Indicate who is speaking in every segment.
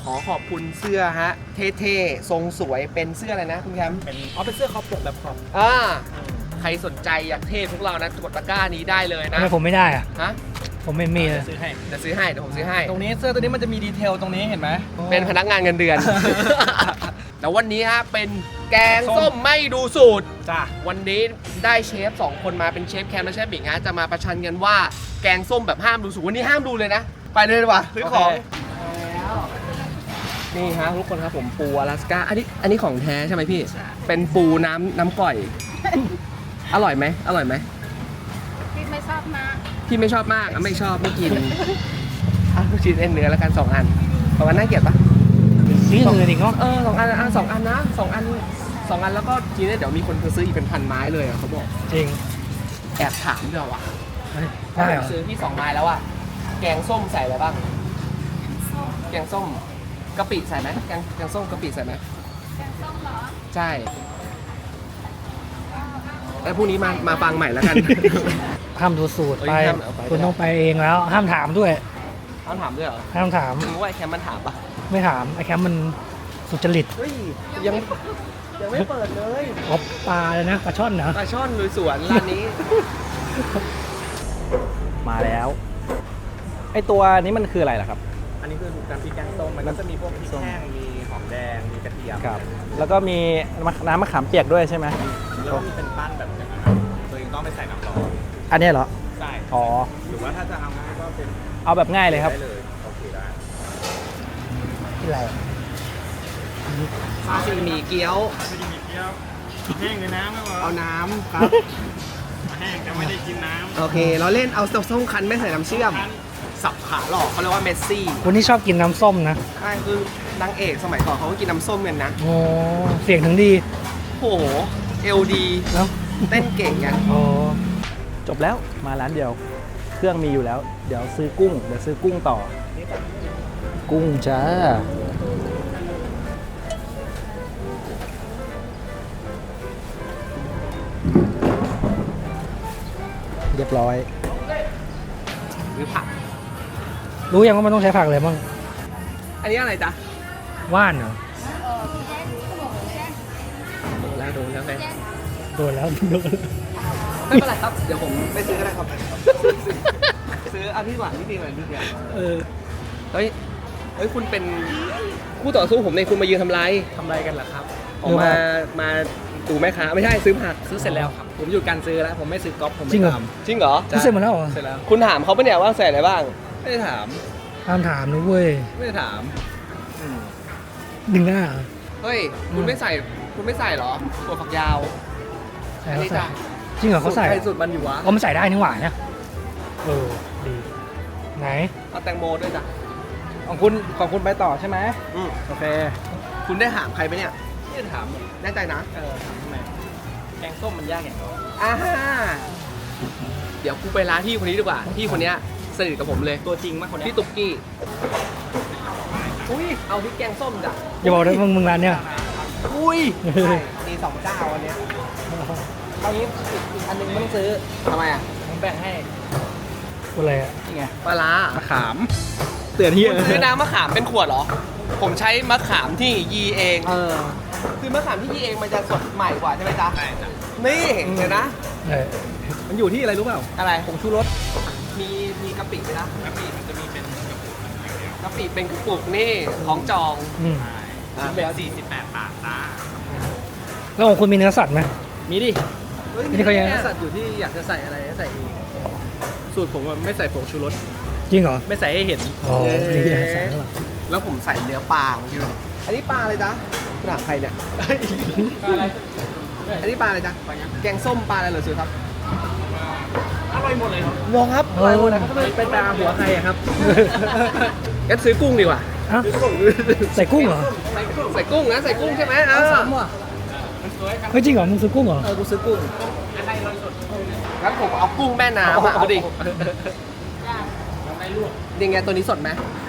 Speaker 1: ขอขอบคุณเสื้อฮะเท่ๆทรงสวยเป็นเสื้ออะไรนะคุณแคมป์
Speaker 2: เป็นเสื้อคอปกแบบคอป
Speaker 1: ใครสนใจอยากเท่พวกเรานะกดตะกร้านี้ได้เลยนะ
Speaker 3: ทำไมผมไม่ได้อะ
Speaker 1: ฮะ
Speaker 3: ผมไม่มีเลย
Speaker 2: ซื้อให้
Speaker 1: เดี๋ยวซื้อให้เดี๋ยวผมซื้อให้
Speaker 2: ตรงนี้เสื้อตัวนี้มันจะมีดีเทลตรงนี้เห็นไหม
Speaker 1: เป็นพนักงานเงินเดือน แต่วันนี้ฮะเป็นแกงส้มไม่ดูสูตร
Speaker 2: จ้า
Speaker 1: วันนี้ได้เชฟ2คนมาเป็นเชฟแคมและเชฟบิ๊กฮะจะมาประชันกันว่าแกงส้มแบบห้ามดูสูตรวันนี้ห้ามดูเลยนะ ไปเลยดีกว่าซื้อของนี่ฮะทุกคนครับผมปูอลาสก้าอันนี้ของแท้ใช่ไหมพี่ เป็นปูน้ำก่อย อร่อยไหมอร่อยไหม
Speaker 4: พี่ไม่ชอบมาก
Speaker 1: พี่ไม่ชอบมากไม่ชอบไม่กินลูกชิ้นเอ็นเนื้อแล้วกัน2 อัน2 อันน่าเกลียดปะ
Speaker 3: นี่อื่นอีกเนาะ
Speaker 1: 2 อัน2 อันนะ2 อันแล้วก็ทีนี้เดี๋ยวมีคนซื้ออีกเป็น1,000 ไม้เลยเขาบอก
Speaker 3: จริง
Speaker 1: แอบถามเดี๋ยวอ่ะ
Speaker 3: ได้เหรอ
Speaker 1: ซื้อพี่2 ไม้แล้วอ่ะแกงส้มใส่อะไรบ้างแกงส้มกะปิใส่ไหมแกงส้มกะปิใส่ไหม
Speaker 4: แกงส้มเหรอ
Speaker 1: ใช่แล้วพรุ่งนี้มาฟังใหม่แล้วกัน
Speaker 3: ห้ามดูสูตร
Speaker 1: เอ้ย
Speaker 3: ไป
Speaker 1: ห้ามเอาไป
Speaker 3: คุณต้องไปเองแล้ว ห้ามถามด้วย
Speaker 1: ต้องถามด้วยเหรอ
Speaker 3: ห้ามถาม
Speaker 1: มึงว่าไอ้แคมมันถามปะ
Speaker 3: ไม่ถามไอ้แคมป์มันสุจริต
Speaker 1: เฮ้ยยังไม่เปิดเลย
Speaker 3: อ๋อปลาเลยนะปลาช่อนเหรอ
Speaker 1: ปลาช่อนลุยสวนร้านนี้
Speaker 2: มาแล้วไอตัวนี้มันคืออะไรล่ะครับ
Speaker 5: อันนี้คือการพริกแกงส้มมันก็จะมีพวกพริกแห้ง มีหอมแดง มีกระเทียม
Speaker 2: ครับ แล้วก็มีน้ำมะขามเปียกด้วยใช่ไหม
Speaker 5: แล้วก็มีเป็นปั้นแบบอย่างนั้นครับตัวเองต้องไปใส่น้ำร้อน
Speaker 2: อันนี้เหรอ
Speaker 5: ใช่
Speaker 2: อ๋อ
Speaker 5: หรือว่าถ้าจะเอาง่ายก็เป็น
Speaker 2: เอาแบบง่ายเลยครับ
Speaker 5: ได้เลย โอเคได้
Speaker 3: ที่ไร
Speaker 1: ซาซิมิเกี๊ยว
Speaker 5: ไม่ได้มีเกี๊ยวแห้งเลยน้ำไม่หรอ
Speaker 1: เอาน้ำครับ
Speaker 5: แห้งแต่ไม่ได้กินน้
Speaker 1: โอเค เราเล่นเอาส้มคั้นไม่ใส่น้ำเชื่อม สับขาหลอกเขาเรียกว่าเมสซี่
Speaker 3: คนที่ชอบกินน้ำส้มนะ
Speaker 1: ใช่คือนางเอกสมัยก่อนเขาก็กินน้ำส้มกันนะ
Speaker 3: โอ้เสียงถึงดี
Speaker 1: โอ้โหเอลดี
Speaker 3: เนาะ
Speaker 1: เต้นเก่งกัน
Speaker 3: โอ้
Speaker 2: จบแล้วมาร้านเดียว เครื่องมีอยู่แล้ว เดี๋ยวซื้อกุ้ง เดี๋ยวซื้อกุ้งต่อ กุ้งจ้า เรียบร้อย
Speaker 1: หรือผัก
Speaker 3: รู้ยังว่ามันต้องใช้ผักอะไรบ้าง
Speaker 1: อันนี้อะไรจ๊ะ
Speaker 3: ว่านเหรอ
Speaker 1: โดนแล้วไง
Speaker 3: โดนแล้วโดน
Speaker 1: ไม่เป็นไรครับ เดี๋ยวผมไปซื้อก็ได้ครับ ซื้อเอาที่หวานที่ดีหน่อยนิดเดียว
Speaker 3: เออ
Speaker 1: เฮ้ยคุณเป็นคู่ต่อสู้ผมในคุณมายืนทำไร
Speaker 2: ทำอะไรกันล่ะครับ
Speaker 1: ผมมาดูแม่ค้าไม่ใช่ซื้อผัก
Speaker 2: ซื้อเสร็จแล้วครับ ผมหยุดการซื้อแล้ว ผมไม่ซื้อก๊อปผม
Speaker 3: จริ
Speaker 2: ไม่
Speaker 3: งเหรอ
Speaker 2: ท
Speaker 1: จริงเหรอ
Speaker 3: รู้เสร็จหมดแล้วเหรอ
Speaker 2: ำเสร็จแล้ว
Speaker 1: คุณถามเขาปะเนี่ยว่าใส่อะไรบ้าง
Speaker 2: ไม่ได้ถาม
Speaker 3: ห้ามถามนะเว้ย
Speaker 2: ไม่ได้ถามอืม
Speaker 3: ดึงหน้าเหรอ
Speaker 1: เฮ้ย คุณไม่ใส่เหรอถั่วฝักยาว
Speaker 3: ใส่
Speaker 1: อัน
Speaker 3: เขา
Speaker 1: นี้
Speaker 3: ใส่
Speaker 1: จ้ะ
Speaker 3: จริงเหรอเขาใส่
Speaker 2: ใครสุดมันอยู่วะ
Speaker 3: อ๋อมันใส่ได้นี่หว่าเนี่ยเออดีไหน
Speaker 1: เอาแตงโมด้วยจ้ะ
Speaker 2: ของคุณไปต่อใช่ไหม
Speaker 1: อืม
Speaker 2: โอเค
Speaker 1: คุณได้ถามใครไหมเนี่ย
Speaker 2: ไม่ได้ถาม
Speaker 1: แน่ใจนะ
Speaker 2: ถามทำไมแกงส้มมันยากอย่างไร
Speaker 1: อ่าเดี๋ยวกูไปร้านพี่คนนี้ดีกว่า พี่คนเนี้ยสนิทกับผมเลย
Speaker 2: ตัวจริงมากคนเนี้ย
Speaker 1: พี่ตุ๊กกี้ อุ้ย เอาพริกแกงส้มจ้ะ
Speaker 3: อย่าบอกนะมึงร้านเนี่ย
Speaker 1: อุ้ยใช่มี2 เจ้าอันเนี้ย
Speaker 2: เอางี้อีกอันหนึงไม่ต้องซื้อ
Speaker 1: ทำไมอ่ะ
Speaker 2: ผมแบ่งให้
Speaker 3: อะไรอะ
Speaker 2: นี่ไง
Speaker 1: ปลาร้าม
Speaker 2: ะขาม เตือนที่
Speaker 1: คุณซื้อน้ำมะขามเป็นขวดเหรอ ผมใช้มะขามที่ยีเอง คือมะขามที่ยีเองมันจะสดใหม่กว่าใช่ไหมจ๊ะ
Speaker 5: ใช่จ้ะ
Speaker 1: นี่เดี๋ยวนะ
Speaker 3: เออ
Speaker 2: มันอยู่ที่อะไรรู้เปล่า
Speaker 1: อะไร
Speaker 2: ผงชูรส
Speaker 1: มีกะปิไหมนะ
Speaker 5: แล้วมีมันจะมีเป็นกระปุกอย่างเดียว
Speaker 1: กะปิเป็นกระปุกนี่ของจอง
Speaker 3: อืม
Speaker 5: ชิ้นแบบ48 บาทจ้า
Speaker 3: แล้วของคุณมีเนื้อสัตว์ไหม
Speaker 2: มีดิ
Speaker 1: เฮ้ย
Speaker 3: นี่เขายัง
Speaker 1: มี
Speaker 2: สัตว์อยู่ที่อยากจะใส่อะไรก็ใส่เองสูตรผมอะไม่ใส่ผงชูรส
Speaker 3: จริงเหรอ
Speaker 2: ไม่ใส่ให้เห็น
Speaker 3: อ๋อนี่ที่ใส่แล้วเหรอ
Speaker 1: แล้วผมใส่เนื้อปลาของพี่ด้วยอันนี้ปลาอะไรจ๊ะคุณถามใครเนี่ย อันนี้ปลาอะไรจ๊ะแกงส้มปลาอะไรเหรอสุดครับ
Speaker 2: อร่อยหมดเลยครับ
Speaker 1: งงครับ
Speaker 3: เออ
Speaker 2: เป็นปลาหัวใครอะครับ
Speaker 1: งั้นซื้อกุ้งดีกว่า
Speaker 3: อ่ะใส่กุ้งเหรอ
Speaker 1: ใส่กุ้งนะใส่กุ้งใช่ไหมเออ
Speaker 2: ซ้ำว่ะ
Speaker 3: เฮ้ยจริงเหรอมึงซื้อกุ้งเหรอ
Speaker 2: กูซื้อกุ้ง
Speaker 1: งั้นผมเอากุ้งแม่น้ำอะเอาดิยังไงตัวนี้สดไหม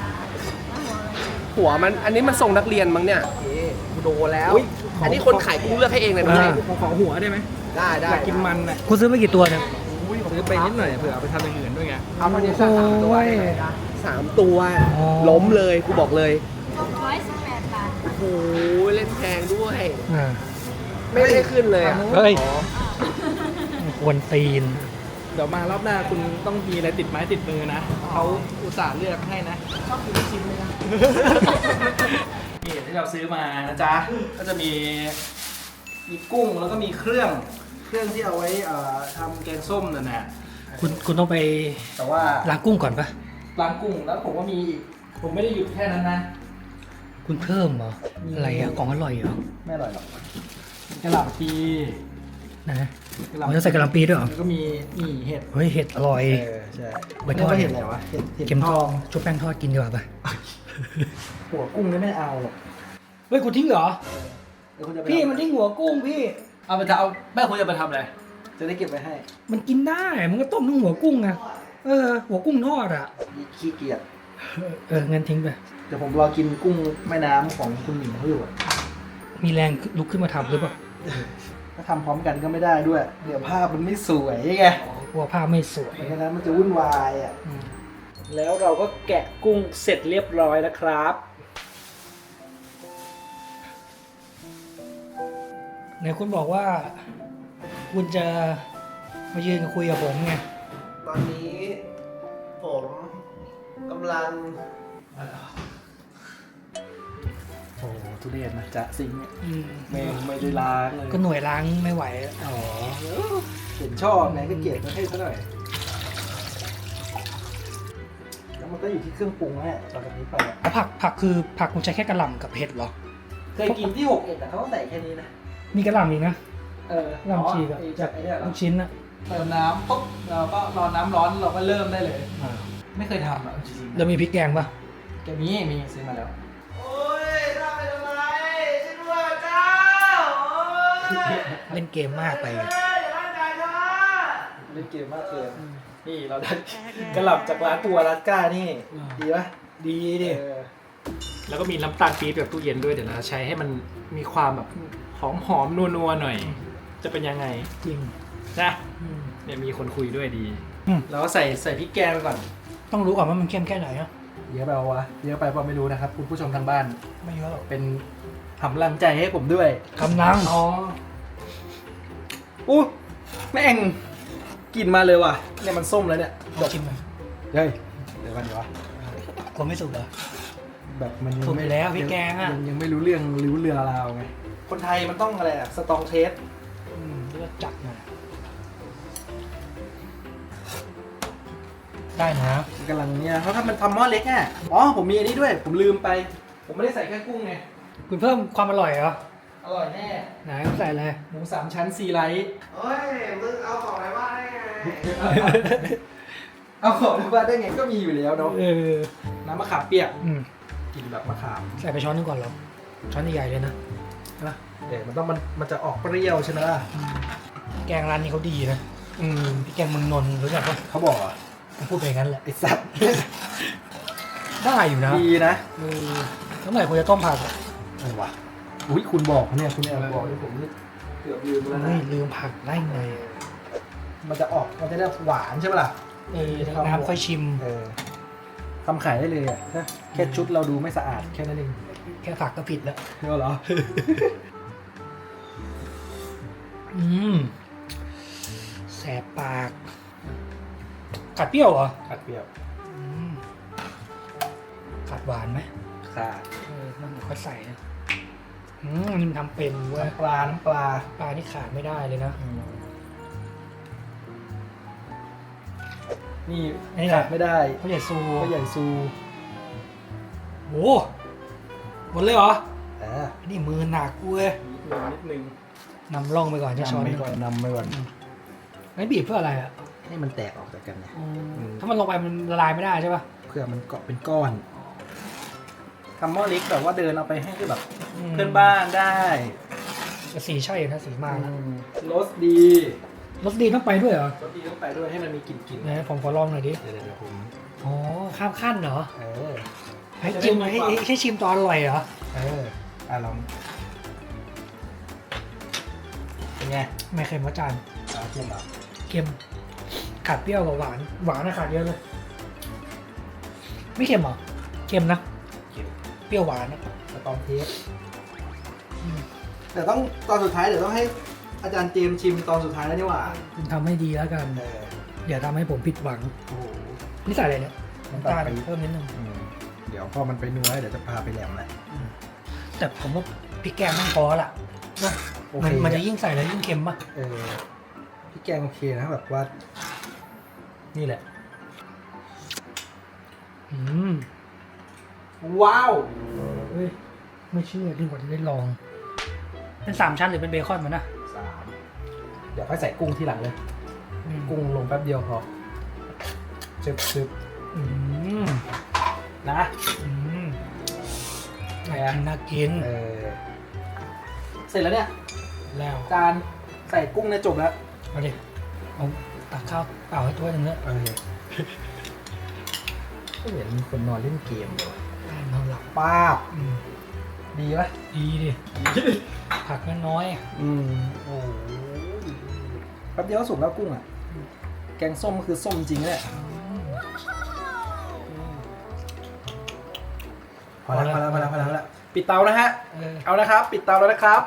Speaker 1: หัวมันอันนี้มันทรงนักเรียนมั้งเนี่ยกูโดนแล้ว อันนี้คนขายกุ้งเลือกให้เองเลยนะ
Speaker 2: ผมขอหัวได้ไหม
Speaker 1: ได้ได้
Speaker 2: อยากกินมันอ่ะ
Speaker 3: คุณซื้อไปกี่ตัวเนี่ย
Speaker 2: ซื้อไปนิดหน่อยเผื่อเอาไปทำอย่างอื่นด้วยไง
Speaker 1: เอาเท่านี้สัก3 ตัว
Speaker 3: โอ้ย
Speaker 1: 3 ตัว
Speaker 3: อ๋อ
Speaker 1: ล้มเลยกูบอกเลย
Speaker 4: 600 118 บาท
Speaker 1: โอ้โหเล่นแพงด้วย
Speaker 3: อ่า
Speaker 1: ไม่ได้ขึ้นเลยอ่ะ
Speaker 3: เฮ้ย
Speaker 1: อ๋อ
Speaker 3: ควรตีน
Speaker 2: เดี๋ยวมารอบหน้าคุณต้องมีอะไรติดไม้ติดมือนะเขาอุตส่าห์เลือกให้นะชอบกินลูกชิ้นเลยนะ นี่ที่เราซื้อมานะจ๊ะก็จะมีกุ้งแล้วก็มีเครื่องที่เอาไว้ทำแกงส้มนั่นแหละ
Speaker 3: คุณต้องไป
Speaker 2: แต่ว่า
Speaker 3: ล้างกุ้งก่อนปะ
Speaker 2: ล้างกุ้งแล้วผมก็มีอีกผมไม่ได้หยุดแค่นั้นนะ
Speaker 3: คุณเพิ่มเหรอ อะไรอะของอร่อยเหรอ
Speaker 2: ไม่อร่อยหรอกกระหล่ำปี
Speaker 3: นะ
Speaker 2: กระห
Speaker 3: อ๋อ
Speaker 2: ล่ำ
Speaker 3: จะใส่กะหล่ำปีด้วยเหรอ
Speaker 2: แล้วก็มีนี่เห็ด
Speaker 3: เฮ้ยเห็ดอร่อย
Speaker 2: ใช่
Speaker 3: ใบทอด
Speaker 2: เรียกว่าเห็ดอะไรวะเห็ด
Speaker 3: เข็มทองชุบแป้งทอดกินดีกว่าปะ
Speaker 2: หัวกุ้งนี่ไม่เอาหรอก
Speaker 3: เฮ้ยคุณทิ้งเหรอ
Speaker 2: เดี๋ยวคุณจะไป
Speaker 3: พี่มันทิ้งหัวกุ้งพี่
Speaker 2: เอาไปทำเอาแม่คุณจะไปทำอะไรจะได้เก็บไว้ให้
Speaker 3: มันกินได้มันก็ต้มทั้งหัวกุ้งไงหัวกุ้งทอดอ่ะ
Speaker 2: ขี้เกียจ
Speaker 3: งั้นทิ้งไป
Speaker 2: เดี๋ยวผมรอกินกุ้งแม่น้ำของคุณหมิงเขาอยู่อะ
Speaker 3: มีแรงลุกขึ้นมาทำหรือเปล่า
Speaker 2: ถ้าทำพร้อมกันก็ไม่ได้ด้วย เดี๋ยวภาพมันไม่สวยไง
Speaker 3: กลัวภาพไม่สวย
Speaker 2: เพราะฉะนั้นมันจะวุ่นวายอ่ะแล้วเราก็แกะกุ้งเสร็จเรียบร้อยแล้วครับ
Speaker 3: ไหนคุณบอกว่า คุณจะมายืนคุยกับผมไง
Speaker 1: ตอนนี้ผมกำลัง
Speaker 2: โอ้ทุเรศนะจะซิงค์เนี่ย
Speaker 3: อืม
Speaker 2: ไม่ได้ล้างเลย
Speaker 3: ก็หน่วยล้างไม่ไหว
Speaker 2: อ๋อเห็นชอบไหนก็เกลียดมาให้ซะหน่อยแล้วมันก็อยู่ที่เครื่องปรุงแหละต่อจากนี้ไปอะ
Speaker 3: แล้วผักคือผักคุณใช้แค่กระหล่ำกับเห็ดเหรอ
Speaker 2: เคยกินที่6 เอ็ดแต่เขาต้องใส่แค่นี้นะ
Speaker 3: มีกระหล่ำอีกนะ
Speaker 2: เออก
Speaker 3: ระหล่ำชีกอะ
Speaker 2: จากไอ้เนี่ยเหรอ
Speaker 3: ลูกชิ้นอะ
Speaker 2: เติมน้ำปุ๊บเราก็รอน้ำร้อนเราก็เริ่มได้เลย
Speaker 3: อ่า
Speaker 2: ไม่เคยทำอ่ะจริงๆ
Speaker 3: แล้วมีพริกแกงปะ
Speaker 2: แกมีซื้อมาแล้ว
Speaker 1: โอ้ยทำไปทำไมช่วยด้วยเจ้าโอ้ย
Speaker 3: เล่นเกมมากไป
Speaker 1: อย่าร่างกายข้า
Speaker 2: เล่นเกมมากเกินนี่เราได้กระหล่ำจากร้านตัวรัสก้านี่ดีปะ
Speaker 3: ดีดิ
Speaker 2: แล้วก็มีน้ำตาลปี๊บแบบตู้เย็นด้วยเดี๋ยวเราใช้ให้มันมีความแบบหอมๆนัวๆหน่อย จะเป็นยังไง
Speaker 3: จริง
Speaker 2: นะ
Speaker 3: อืม
Speaker 2: เนี่ยมีคนคุยด้วยดี
Speaker 3: อืม
Speaker 2: เราก็ใส่พริกแกงไปก่อน
Speaker 3: ต้องรู้ก่อนว่ามันเข้มแค่ไหนอะ
Speaker 2: เยอะไปวะเยอะไปเปล่าไม่รู้นะครับคุณผู้ชมทางบ้าน
Speaker 3: ไม่เยอะหรอก
Speaker 2: เป็นทำลังใจให้ผมด้วย
Speaker 3: กำลัง
Speaker 2: อ๋ออู้แม่งกลิ่นมาเลยว่ะเนี่ยมันส้มแล้วเนี่ย
Speaker 3: ลองชิมหน่อย
Speaker 2: เฮ้ยเดี๋ยวกันเดี๋ยววะ
Speaker 3: กลัวไม่สุกเหรอ
Speaker 2: แบบมันยัง
Speaker 3: ถูก
Speaker 2: ไม่
Speaker 3: อยู่แล้วพริกแกงอะ
Speaker 2: ยังไม่รู้เรื่องรู้เรือราวไงคนไทยมันต้องอะไรอะสตองเทส
Speaker 3: แล้วก็จัดมาได้นะ
Speaker 2: กำลังเนี่ยเขาทำมันทำหม้อเล็กอ่ะอ๋อผมมีอันนี้ด้วย ผมลืมไป ผมไม่ได้ใส่แค่กุ้งไง
Speaker 3: คุณเพิ่มความอร่อยเหรอ
Speaker 2: อร่อยแน่
Speaker 3: ไหนใส่อะไร
Speaker 2: หมู3 ชั้นซีไลท์
Speaker 1: เฮ้ย มึงเอาของอะไรมาได้ไง
Speaker 2: เอาของมาได้ไงก็มีอยู่แล้วเนาะ น้ำมะขามเปียก
Speaker 3: อืม
Speaker 2: กินแบบมะขาม
Speaker 3: ใส่ไปช้อนนึงก่อนเหรอช้อนใหญ่ๆเลยนะ
Speaker 2: นะเดี๋ยวมันจะออกเปรี้ยวใช่ไหมล่ะ
Speaker 3: แกงร้านนี้เขาดีนะพี่แกงเมืองนนท์รู้จักปะ
Speaker 2: เขาบอกอ่ะ
Speaker 3: ผมพูดไปอย่างนั้นแหละ
Speaker 2: ไอ้สัตว์
Speaker 3: ได้อยู่นะ
Speaker 2: ดีนะ
Speaker 3: แล้วไหนคุณจะต้มผักอะ
Speaker 2: อะไรวะอุ้ยคุณบอกเนี่ยคุณแอบบอกที่ผมนี่เกือบลืมไปแล้ว
Speaker 3: เฮ้
Speaker 2: นะ
Speaker 3: ยลืมผักได้ไง
Speaker 2: มันจะออกมันจะได้หวานใช่ปะล่ะ
Speaker 3: น้ำค่อยชิม
Speaker 2: ทำขายได้เลยอ่ะนะแค่ชุดเราดูไม่สะอาดแค่นั้นเอง
Speaker 3: แค่ผักก็ผิดแล้ว
Speaker 2: เหรอ
Speaker 3: แสบปากกัดเปรี้ยวเหรอ
Speaker 2: ขัดเปรี้ยว
Speaker 3: กัดหวานไหม
Speaker 2: ขาด
Speaker 3: มันค่อยใส่นะอันนี้มันทำเป็นเว้ย
Speaker 2: น้ำปลา
Speaker 3: ปลานี่ขาดไม่ได้เลยนะ
Speaker 2: นี่
Speaker 3: นี่
Speaker 2: ขาดไม่ได้
Speaker 3: เขาใหญ่ซู
Speaker 2: ก็ใหญ่ซู
Speaker 3: โอ้หมดเลยเหรอ
Speaker 2: อ่า
Speaker 3: นี่มือหนักเว้ย
Speaker 2: นิดนึง
Speaker 3: นำร่องไปก่อนจะช้อน
Speaker 2: นำไปก่อนนำไปก่อน
Speaker 3: ไม่บีบเพื่ออะไรอ่ะ
Speaker 2: ให้มันแตกออกจากกันเนี่ย
Speaker 3: ถ้ามันลงไปมันละลายไม่ได้ใช่ป่ะ
Speaker 2: เพื่อมันเกาะเป็นก้อนทำหม้อเล็กแบบว่าเดินเอาไปให้แบบเพื่อนบ้านได้
Speaker 3: แต่สีใช่อยู่นะสีมาแล้ว
Speaker 2: รสดี
Speaker 3: รสดีต้องไปด้วยเหรอ
Speaker 2: รสดีต้องไปด้วยให้มันมีกลิ่น
Speaker 3: ไหนผมขอลองหน่อยดิ
Speaker 2: เดี๋ยวผม
Speaker 3: อ๋อข้ามขั้นเหรอ
Speaker 2: อ
Speaker 3: ให้ชิมให้ชิมตอนอร่อยเหรอ
Speaker 2: ลองเป็นไง
Speaker 3: ไม่เค็มวะจาน
Speaker 2: เค็มเหรอ
Speaker 3: เค็มขาดเปรี้ยวกับหวานหวานนะขาดเยอะเลย ไม่เค็มเหรอเค็มนะ
Speaker 2: เค็ม
Speaker 3: เปรี้ยวหวานนะ
Speaker 2: สตอมเทสแต่ต้องตอนสุดท้ายเดี๋ยวต้องให้อาจารย์เจมส์ชิมตอนสุดท้ายแล้วนี่หว่า
Speaker 3: คุณทำให้ดีแล้วกัน อย่าทำให้ผมผิดหวัง
Speaker 2: โอ้โห
Speaker 3: นี่ใส่อะไรเนี่ยน้ำตาล
Speaker 2: น้ำตาล
Speaker 3: เพิ่มนิดนึง
Speaker 2: เดี๋ยวพอมันไปนัวเดี๋ยวจะพาไปแหลมแหละ
Speaker 3: แต่ผมว่าพริกแกงต้องพอละ
Speaker 2: โอเค
Speaker 3: มันจะยิ่งใส่แล้วยิ่งเค็มป่ะ
Speaker 2: พี่แกงโอเคนะแบบว่า นี่แหละ
Speaker 3: อืม
Speaker 2: ว้าว
Speaker 3: เฮ้ยไม่เชื่อดีกว่าจะได้ลอง เป็น3 ชั้นหรือเป็นเบคอนมันนะ
Speaker 2: 3เดี๋ยวค่อยใส่กุ้งทีหลังเลย
Speaker 3: อืม
Speaker 2: กุ้งลงแป๊บเดียวพอซึบ
Speaker 3: อืม
Speaker 2: ๆนะ
Speaker 3: อืม
Speaker 2: ไงอะ
Speaker 3: น่ากิน
Speaker 2: เสร็จแล้วเนี่ย
Speaker 3: แล้ว
Speaker 2: จานใส่กุ้งเนี่ยจบแล้ว
Speaker 3: เอาดิเอาตักข้าวเปล่าให้ถ้วยหนึงเนอะ
Speaker 2: ก็เหมือนมีคนนอนเล่นเกมเลย
Speaker 3: นอนหลับ
Speaker 2: ป้าบ
Speaker 3: อืม
Speaker 2: ดีปะ
Speaker 3: ดีดิผักน้อยๆอะ
Speaker 2: โอ้โหแป๊บเดียวก็สุกแล้วกุ้งอ่ะ แกงส้มก็คือส้มจริงเลยพอแล้วปิดเตานะฮะ เอานะครับ ปิดเตาแล้วนะครับ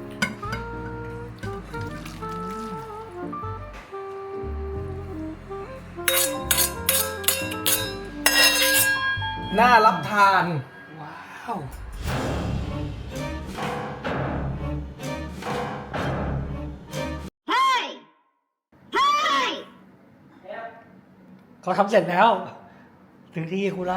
Speaker 2: น่ารับทาน
Speaker 3: ว้าวเขาทำเสร็จแล้ว ถึงที่คุณละ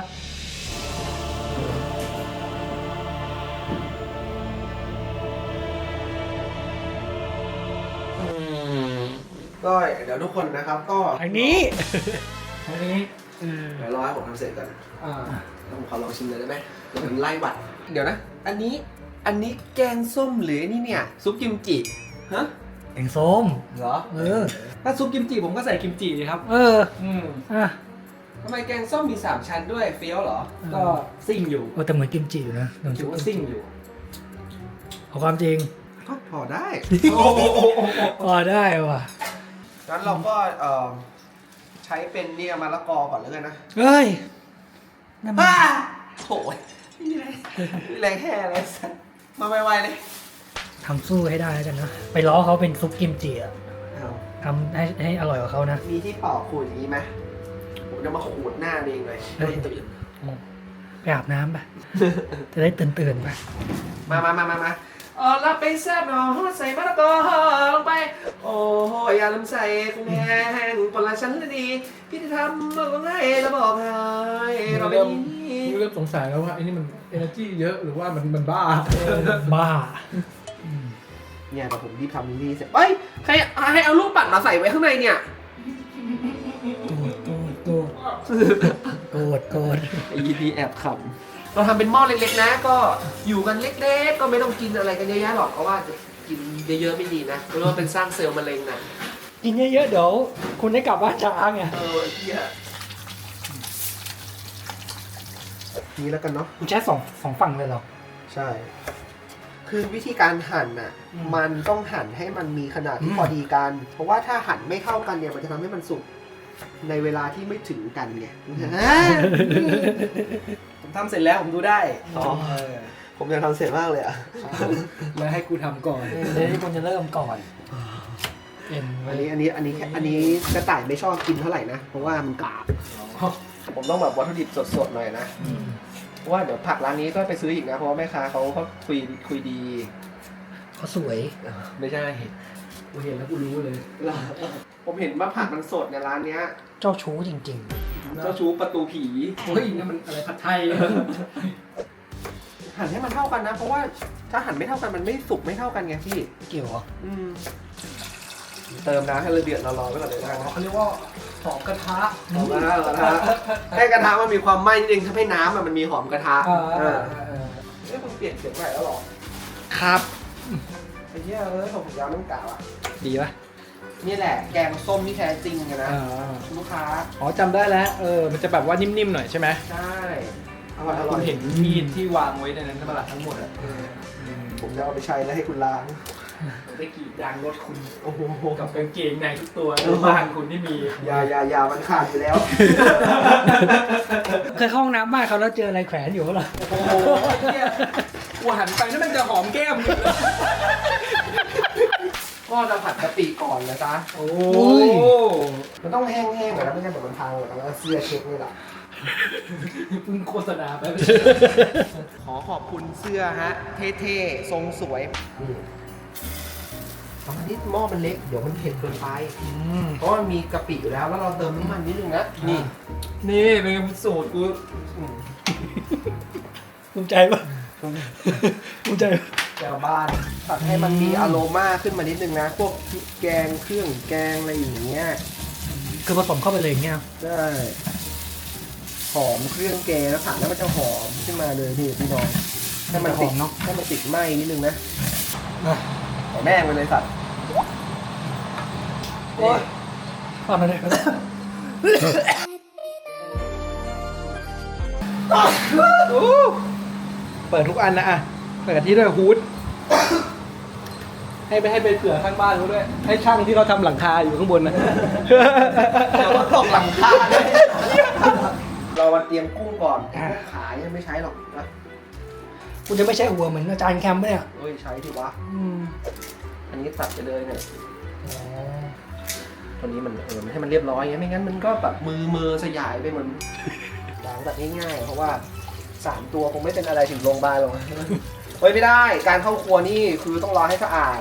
Speaker 1: ก็เดี๋ยวทุกคนนะครับก็
Speaker 3: อันนี้
Speaker 2: อันนี้
Speaker 1: เดี๋ยวรอให้ผมทำเสร็จก่อน
Speaker 2: อ่า
Speaker 1: แล้วผมขอลองชิมเลยได้ไหมเดี๋ยวผมไล่หวัด เดี๋ยวนะ อันนี้แกงส้มหรือนี่เนี่ยซุปกิมจิฮะ
Speaker 3: แกงส้ม
Speaker 1: เหรอ
Speaker 2: ถ้าซุปกิมจิผมก็ใส่กิมจิดีครับ
Speaker 3: อ่ะ
Speaker 1: ทำไมแกงส้มมี3ชั้นด้วยเฟี้ยวเหรอ
Speaker 2: ก็ซิ่งอยู่
Speaker 3: แต่เหมือนกิมจิอยู่นะเหมือน
Speaker 2: ถือว่าซิ่งอยู่
Speaker 3: เอาความจริง
Speaker 1: ก็พอได้
Speaker 3: พอได้ว่ะ
Speaker 1: งั้นเราก็ใช้เป็นเนี่ยมะละกอก่อนแล้วกันนะ
Speaker 3: เฮ้ยนั่นมัน
Speaker 1: โถ่ไม่มีอะไรไม่มีอะไรแค่อะไรสักมาไวๆเลย
Speaker 3: ทำสู้ให้ได้แล้วกันนะ ไปล้อเขาเป็นซุปกิมจิอะ
Speaker 1: เอา
Speaker 3: ทำให้อร่อยกว่าเขานะ
Speaker 1: มีที่เป่าขูดอย่างนี้ไหมผมจะมาขูดหน้าเองเลย
Speaker 3: เฮ้ย
Speaker 1: ตื่น
Speaker 3: ไปอาบน้ำไป จะได้ตื่นๆไป
Speaker 1: มารับไปแซ่บหน่อยใส่มะละกอลงไป โอ้ยอย่าลืมใส่กุ้งแห้งคนละชั้นเลยดีพี่จะทำมาก็ง่ายแล้วบอกให้เราไม่มี
Speaker 2: เริ่มสงสัยแล้วว่าไอ้นี่มัน energy เยอะหรือว่ามันบ้า
Speaker 3: บ้า
Speaker 1: เนี่ยแต่ผมรีบทำนี่เสร็จเฮ้ยใครให้เอาลูกปัดมาใส่ไว้ข้างในเนี่ย
Speaker 3: โกรธ
Speaker 1: ไอ้ยีพีแอบขำเราทำเป็นหม้อเล็กๆนะ ก็อยู่กันเล็กๆก็ไม่ต้องกินอะไรกันเยอะแยะหรอกเพราะว่ากินเยอะๆไม่ดีนะเพราะว่าเป็นสร้างเซลล์มะเร็งนะ
Speaker 3: กินเยอะๆเดี๋ยวคุณได้กลับบ้านช้าไง
Speaker 1: เฮียนี่แล้วกันเนาะ
Speaker 3: คุณใช้สองฝั่งเลยเหรอ
Speaker 1: ใช่ คือวิธีการหั่นน่ะ มันต้องหั่นให้มันมีขนาดที่พอดีกัน เพราะว่าถ้าหั่นไม่เท่ากันเนี่ยมันจะทำให้มันสุกในเวลาที่ไม่ถึงกันไง
Speaker 2: ผมทำเสร็จแล้วผมดูได้
Speaker 1: ผมอยากทำเสร็จมากเลยอ่ะ
Speaker 2: แล้วให้กูทำก่อน
Speaker 3: เดี๋ยวที่คุณจะเริ่มก่อนเป็น
Speaker 1: อันนี้กระต่ายไม่ชอบกินเท่าไหร่นะ เพราะว่ามันกราบ ผมต้องแบบวัตถุดิบสดๆหน่อยนะ เพราะว่าเดี๋ยวผักร้านนี้ก็ไปซื้ออีกนะ เพราะว่าแม่ค้าเขาคุยดี
Speaker 3: เขาสวย
Speaker 1: ไม่ใช่
Speaker 2: กูเห็นแล้วกูรู้เลย
Speaker 1: ผมเห็นว่าผักมันสดในร้านเนี้ย
Speaker 3: เจ้าชู้จริง
Speaker 1: เจ้าชู้ประตูผี
Speaker 2: เฮ้ยนี่มันอะไรผัดไทย
Speaker 1: หั่นให้มันเท่ากันนะ เพราะว่าถ้าหั่นไม่เท่ากันมันไม่สุกไม่เท่ากันไงพี่
Speaker 3: ๆ เกี่ยวเหรอ
Speaker 1: เติมน้ำให้ละเดือดรอๆไว้ก่อนเลยนะ
Speaker 2: เขาเรียกว่าหอมกระทะ
Speaker 1: หอมกระทะให้กระทะมันมีความไหม้นิดนึงทำให้น้ำมันมีหอมกระทะเอ้ยมึงเปลี่ยนเสียงใหม่แล้วหรอ
Speaker 3: ครับ
Speaker 1: ไอ้เหี้ยผมยาวน้ำกาวอ่ะ
Speaker 2: ดีป่ะ
Speaker 1: นี่แหละแกงส้มที่แท้จริงอะนะลูกค้า
Speaker 2: อ๋อจำได้แล้วมันจะแบบว่านิ่มๆหน่อยใช่ไหม
Speaker 1: ใช่อร่อย
Speaker 2: คุณเห็นมีดที่วางไว้ในนั้นใช่ไหมล่ะทั้งหมดอ่ะ
Speaker 1: ผมจะเอาไปใช้แล้วให้คุณล้าง
Speaker 2: ผมได้กรีดยางรถคุณ
Speaker 1: โอ้โห
Speaker 2: กับกางเกงในทุกตัวในบ้านคุณที่มี
Speaker 1: อย่ามันขาดอยู่แล้ว
Speaker 3: เคยเข้าห้องน้ำบ้านเขาแล้วเจออะไรแขวนอยู่เหรอ
Speaker 2: โอ้โหเนี่ยกูหันไปนั่นมันจะหอมแก้มอยู่เลย
Speaker 1: ก็จะผัดกะปิก่อนนะจ๊ะ
Speaker 2: โอ้
Speaker 1: มันต้องแห้งๆก่อนนะไม่งั้นเดี๋ยวมันพังหมดแล้วเสื้อเช็คนี่แหละ
Speaker 2: เพิ่งโฆษณาไป
Speaker 1: ขอขอบคุณเสื้อฮะ เท่ๆ ทรงสวยนี่ตอนนี้หม้อมันเล็ก เดี๋ยวมันเผ็ดเกินไป เพราะมันมีกะปิอยู่แล้วแล้วเราเติมน้ำมันนิดนึงนะ นี่
Speaker 2: นี่เป็นสูตรกู
Speaker 3: ภูมิใจปะภูมิใจปะ
Speaker 1: แก้วบ้านตัดให้มันมีอโรมาขึ้นมานิดนึงนะ พวกพริกแกงเครื่องแกงอะไรอย่างเงี้ย
Speaker 3: คือผสมเข้าไปเลยอย่างเงี้ย
Speaker 1: ใช่หอมเครื่องแกงแล้วผัดแล้วมันจะหอมขึ้นมาเลยนี่พี่น้องให้มันติด
Speaker 3: หอมเนอะ
Speaker 1: ให้มันติดไหม้นิดนึงนะขอแม่งไปเลยสัตว์
Speaker 3: โอ๊ยทำอะไรกัน
Speaker 2: เปิดทุกอันนะอ่ะเปิดที่ด้วยฮูดให้ไปเผื่อข้างบ้านเขาด้วย ให้ช่างที่เขาทำหลังคาอยู่ข้างบนนะ
Speaker 1: เดี๋ยวมันตกหลังคาเลยเรามาเตรียมกุ้งก่อนขายยังไม่ใช้หรอกนะ
Speaker 3: คุณจะไม่ใช่หัวเหมือนอาจารย์แคมป์ปะเนี่ย
Speaker 1: เฮ้ยใช้ดิวะอันนี้ตัดไปเลยเนี่ยตัวนี้มันให้มันเรียบร้อยไงไม่งั้นมันก็แบบมือสยายไปเหมือนล้างแบบง่ายๆเพราะว่า3ตัวคงไม่เป็นอะไรถึงโรงพยาบาลหรอกเฮ้ยไม่ได้การเข้าครัวนี่คือต้องรอให้สะอาด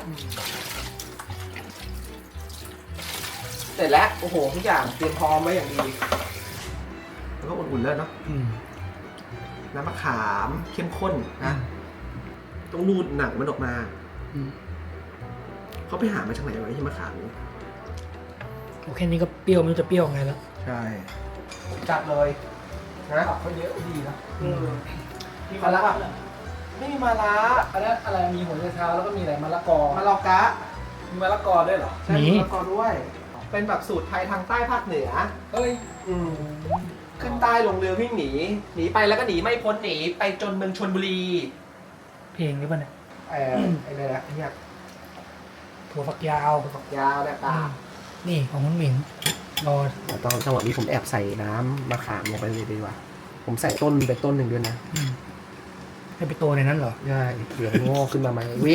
Speaker 1: เสร็จแล้วโอ้โหทุกอย่างเตรียมพร้อมไว้อย่างดีแล้วก็อุ่นๆแล้วเนาะน้ำมะขามเข้มข้นนะต้องนูดหนังมันออกมาเขาไปหามาจากไหนวะที่มะขาม
Speaker 3: โอเคนี้ก็เปรี้ยวไม่รู้จะเปรี้ยวไงแล้ว
Speaker 1: ใช่จัดเลยนะ
Speaker 2: เขาเยอะดีนะ
Speaker 1: มีมะระไม่มีมะระ
Speaker 2: อันนั้นอะไรมีหัวไชเท้าแล้วก็มีอะไรมะละกอ
Speaker 1: มะลอกะ
Speaker 2: มีมะละกอด้วยเหรอ
Speaker 1: ใช่มีมะละกอด้วย เป็นแบบสูตรไทยทางใต้ภาคเหนือ
Speaker 2: เฮ้ย
Speaker 1: ขึ้นใต้ลงเรือวิ่งหนีไปแล้วก็หนีไม่พ้นหนีไปจนเมืองชลบุรี
Speaker 3: เพลงนี้ป่ะเนี่ย
Speaker 1: ไอ้เนี่ยนะเนี่ย
Speaker 3: ถั่วฝักยาว
Speaker 1: ฝักยาวเนี่ยตา
Speaker 3: นี่ของคุณหมิงรอ
Speaker 1: ตอนจังหวะนี้ผมแอบใส่น้ำมะขามลงไปเลยดีกว่า ผมใส่ต้นไปต้นหนึ่งด้วยนะ
Speaker 3: ให้ไปโตในนั้นเหรอ
Speaker 1: ใช่เดี๋ยวงอกขึ้นมาใหม่เวน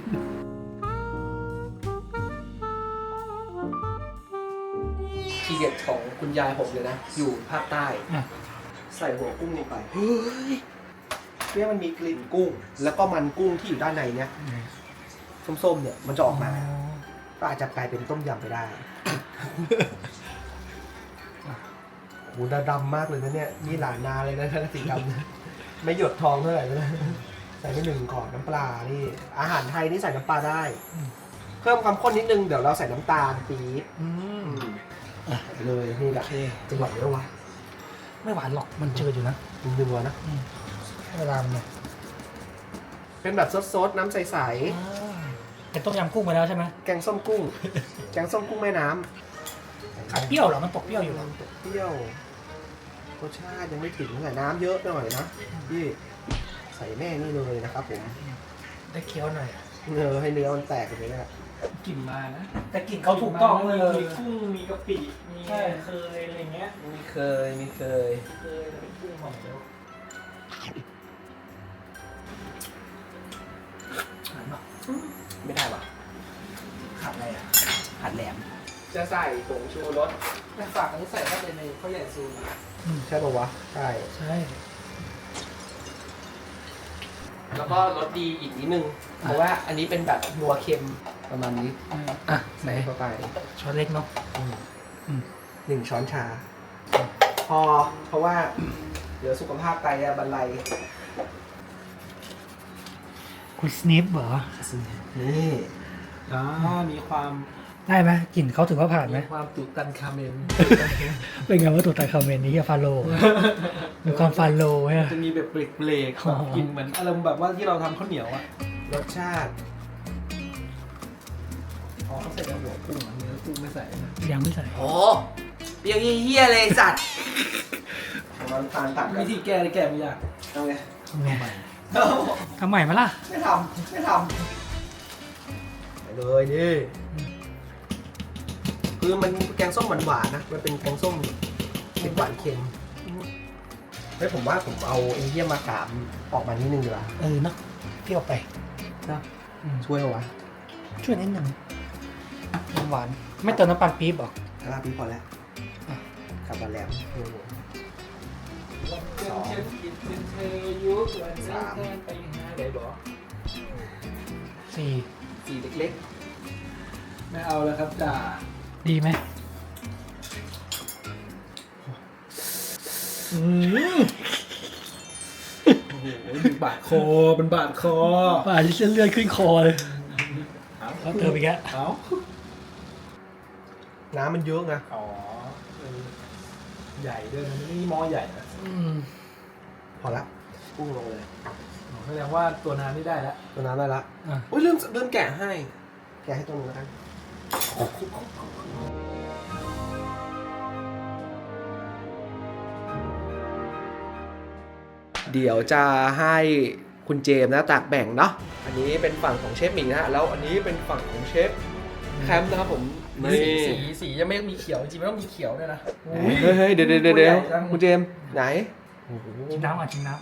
Speaker 1: ทีเด็ดของคุณยายผมเลยนะ อยู่ภาคใต้ ใส่หัวกุ้งลงไป เฮ้ยเพื่อมันมีกลิ่นกุ้ง แล้วก็มันกุ้งที่อยู่ด้านในเนี้ยส้มๆเนี่ยมันจะออกมา ก็อาจจะกลายเป็นต้มยำไปได้ โหดำมากเลยนะเนี่ย นี่หลานนาเลยนะสีดำนะไม่หยดทองเท่าไหร่เลยนะใส่ไป1ก่อนน้ำปลา นี่ อาหารไทยนี่ใส่น้ำปลาได้ เพิ่มความข้นนิดนึง เดี๋ยวเราใส่น้ำตาลปี๊บเลยนี่แหละจังหวะเนี้ยวะ
Speaker 3: ไม่หวานหรอกมันจืดอยู่นะ
Speaker 1: ดึงๆวะนะ
Speaker 3: เวลามันเนี่ย
Speaker 1: เป็นแบบซดๆน้ำใส
Speaker 3: เป็นต้มยำกุ้งไปแล้วใช่ไหม
Speaker 1: ๆ แกงส้มกุ้ง แกงส้มกุ้งแม่น้
Speaker 3: ขาดเปรี้ยวเหรอมันตกเปรี้ยวอยู่
Speaker 1: ำ
Speaker 3: เหรอ
Speaker 1: เปรี้ยวรสชาติยังไม่ถึงใส่น้ำเยอะหน่อยนะพี่ใส่แม่นี่เลยนะครับผม
Speaker 3: ได้เคี้ยวหน่อย
Speaker 1: ให้เนื้อมันแตกไปเลยนะ
Speaker 2: กลิ่นมานะ
Speaker 3: แต่กลิ่นเขาถูกต้องเลย
Speaker 2: มีกุ้ง มีกะปิ มี
Speaker 3: ใช่
Speaker 2: เคยอะไรเงี้ย
Speaker 1: มีเคย
Speaker 2: เคยเป็นกุ้งหอมเดียว
Speaker 1: ไม่ได้ว่ะ
Speaker 3: ขาดอะไรอ่ะ
Speaker 1: ผัดแหลม
Speaker 2: จะใส่ผงชูรสแต่ฝากอันนี้ใส่เข้าไปในข้าวใหญ่ซูน
Speaker 1: ใช่ป่าวะ ใช่
Speaker 3: ใช่
Speaker 1: แล้วก็รสดีอีกนิดนึง เพราะว่าอันนี้เป็นแบบนัวเค็มประมาณนี้
Speaker 3: อ่ะไหน
Speaker 1: ใส่เข้าไป
Speaker 3: ช้อนเล็กเนาะ
Speaker 1: 1 ช้อนชา พอ เพราะว่าเดี๋ยวสุขภาพไตจะบรรลัย
Speaker 3: คุณสนิปเหรอ
Speaker 1: นี่
Speaker 2: มีความ
Speaker 3: ได้ไหมกลิ่นเขาถือว่าผ่านไหม
Speaker 2: มีความตุตันคาเมน
Speaker 3: เป็นไงว่าตัวตาคาเมนนี้ฟาโลมีความฟาโลใช่ไหม
Speaker 2: จะมีแบบเบรกๆแบบกลิ่นเหมือนอารมณ์แบบว่าที่เราทำข้าวเหนียวอ่ะ
Speaker 1: รสชาติ
Speaker 2: อ๋อเขาใส่กระหัวกุ้งอ่ะเนื้อกุ้งไม่ใส่นะ
Speaker 3: ยังไม่ใส่
Speaker 1: โอ้เปรี้ยวเฮี้ยเลยสัตว์มันทานตัดกัน
Speaker 2: วิธีแก้ได้แก้ไม่ยาก
Speaker 1: ทำไง
Speaker 3: ทำไงทำใหม่มาล่ะ
Speaker 1: ไม่ทำเลยดิคือมันแกงส้มหวานๆนะ มันเป็นแกงส้มเผ็ดหวานเค็มเฮ้ยผมว่าผมเอาไอ้เยี่ยมากามออกมานิดนึงดีกว่า
Speaker 3: เนาะเปรี้ยวไป
Speaker 1: นะช่วยเอาวะ
Speaker 3: ช่วยนิดหนึ่งน้ำหวานไม่เติมน้ำตาลปี๊บหรอ
Speaker 1: ลาพี่พอแล้วกลับมาแล้ว
Speaker 2: สองเธอยุควันสามไปห้าได้บอก
Speaker 3: สี่
Speaker 1: สีเล็ก
Speaker 2: ไม่เอาแล้วครับจ่า
Speaker 3: ดีไหมอืม
Speaker 2: โอ้โหบาดคอเป็นบาดคอ
Speaker 3: ป่าที่เส้นเลือดขึ้นคอเลยแล้วเติมอีกแล้ว
Speaker 2: เอ้า
Speaker 1: ๆน้ำมันเยอะไง
Speaker 2: อ๋อใหญ่ด้วยนะนี่หม้อใหญ่นะ
Speaker 1: พอละพุ่งลงเลย
Speaker 2: แสดงว่าตัวน้ำนี่ได้แล้ว
Speaker 1: ตัวน้ำได้ละ
Speaker 3: อ่ะ
Speaker 1: อุ้ยลืมแกะให้ แกะให้ตัวนึงแล้วกันเดี๋ยวจะให้คุณเจมส์นะตักแบ่งเนาะอันนี้เป็นฝั่งของเชฟหมิงนะฮะแล้วอันนี้เป็นฝั่งของเชฟแคมป์นะครับผม
Speaker 2: สียังไม่มีเขียวจริงๆไม่ต้องมีเขียวด้วยนะ
Speaker 1: เฮ้ยเดี๋ยวคุณเจมส์ไหน
Speaker 3: ชิมน้ำอ่ะชิมน้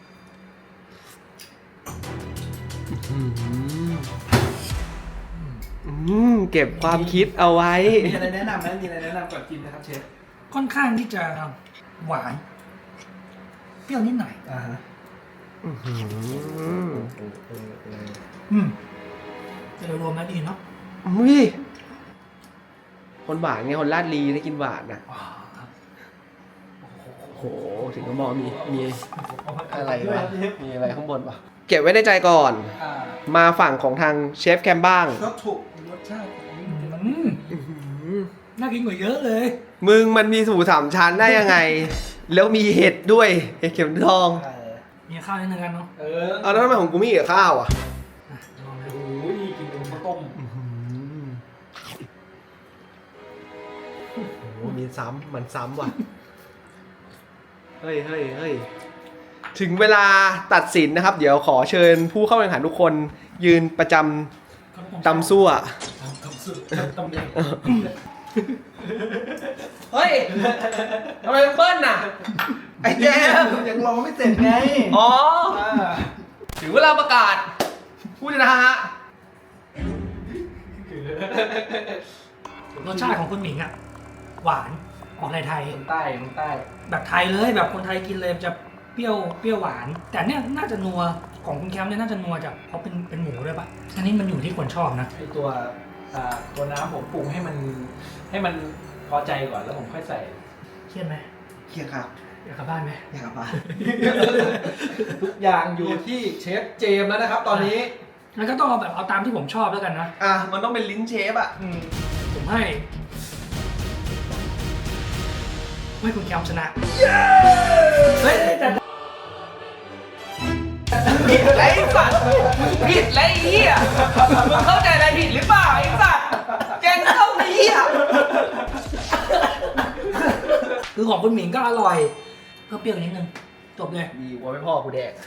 Speaker 1: เก็บความคิดเอาไว้
Speaker 2: มีอะไรแนะนำไหมมีอะไรแนะนำก่อนกินนะครับเชฟ
Speaker 3: ำค่อนข้างที่จะหวาน เปรี้ยวนิดหน่อย
Speaker 2: อ่าฮะ
Speaker 3: แต่โดยรวมแล้วดีเนาะ
Speaker 1: อุ้ยคนหวานไงคนลาดลีได้กินหวานนะโอ้โหถึงก็มองมีอะไรวะมีอะไรข้างบนปะเก็บไว้ในใจก่อน มาฝั่งของทางเชฟแคมบ้าง
Speaker 2: ก็ถูกรสชาติ
Speaker 3: น่ากินกว่าเยอะเลย
Speaker 1: มึงมันมีสูตรสามชั้นได้ยังไง แล้วมีเห็ดด้วยเห็ดเข็มทอง
Speaker 3: มีข้าวนิดนึงกันเนาะ
Speaker 1: เอาแล้วทำไมของกูไม่กับข้าวอ่ะ
Speaker 3: ลองเลย
Speaker 2: โอ้ยกินเป็นข้าวต้ม
Speaker 1: โอ้มีซ้ำมันซ้ำว่ะ เฮ้ย ถึงเวลาตัดสินนะครับ เดี๋ยวขอเชิญผู้เข้าแข่งขันทุกคนยืนประจำตำซั่ว
Speaker 2: ตำแหน่ง
Speaker 1: เฮ้ย ทำไมเบิ้ลน่ะ ไอ้แจ๊บ
Speaker 2: ยังรอไม่เสร็จไง
Speaker 1: อ๋อ ถึงเวลาประกาศ ผู้ชนะฮะ
Speaker 3: รสชาติของคุณหมิงอ่ะ หวานออกไทย
Speaker 2: คนใต้
Speaker 3: ๆแบบไทยเลยแบบคนไทยกินเลยจะเปรี้ยวหวาน แต่เนี่ยน่าจะนัวของคุณแคมป์เนี่ยน่าจะนัวจากเพราะเป็นหมูด้วยปะอันนี้มันอยู่ที่คนชอบนะ
Speaker 2: ไอตัวน้ำผมปรุงให้มันพอใจก่อนแล้วผมค่อยใส่
Speaker 3: เครียดไหม
Speaker 1: เครียดครับ
Speaker 3: อยากกลับบ้านไหม
Speaker 1: อยากกลับบ้าน
Speaker 2: ทุกอย่างอยู่ที่เชฟเจมส์แล้วนะครับ ตอนนี้
Speaker 3: แล้วก็ต้องเอาแบบเอาตามที่ผมชอบแล้วกันนะ
Speaker 1: อ่ะ มันต้องเป็นลิ้นเชฟอ่ะ
Speaker 3: ผมให้คุณแคมป์ชนะเฮ้ยแต่
Speaker 1: ผิดไรสัตว์ผิดไรเหี้ยมึงเข้าใจอะไรผิดหรือเปล่าไอ้สัตว์แกงเข้าเหี้ย
Speaker 3: คือของคุณหมิงก็อร่อยเพิ่มเปรี้ยวนิดนึงจบเลย
Speaker 1: มีวัวไม่พ่อกูแดก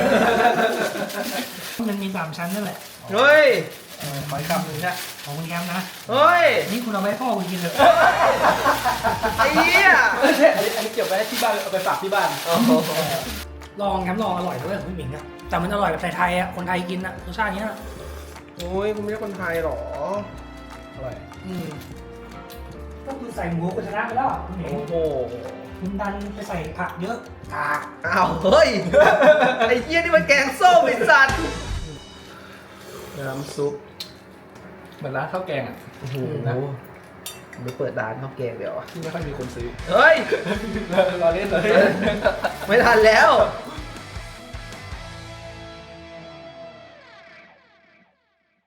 Speaker 3: มันมี3ชั้นนั่นแหละ
Speaker 1: เฮ้ย
Speaker 2: ขออีกคำหนึ่งนะ
Speaker 3: ของคุณแคมป์นะ
Speaker 1: เฮ้ย
Speaker 3: นี่คุณเอาไว้พ่อคุณกินเลย
Speaker 1: ไอ้เหี้ย
Speaker 2: ไม่ใช่อันนี้เก็บไว้ที่บ้านเอาไปฝากที่บ้าน
Speaker 3: ลองแคมป์ลองอร่อยด้วยของคุณหมิงอะแต่มันอร่อยแบบไทยๆอะคนไทยกินอะรสชาติเนี้ย
Speaker 1: โอ้ยคุณไม่ใช่คนไทยหรอ
Speaker 2: อร่อย
Speaker 3: ก็คือใส่หมูคุณชนะไปแล้วคุณหมิง
Speaker 1: โอ้โห
Speaker 3: คุณดันไปใส่ผักเยอะกาก
Speaker 1: อ้าวเฮ้ย ไอ้เหี้ยนี่มันแกงส้มไอ้สัตว์น้ำซุป
Speaker 2: เหมือนร้านข้าวแกงอ่ะ
Speaker 1: โอ้โหผมไปเปิดร้านข้าวแกงเดี๋ยว
Speaker 2: ที่ไม่ค่อยมีคนซื้อ
Speaker 1: เฮ้ย
Speaker 2: รอเล่นเลย
Speaker 1: ไม่ทันแล้ว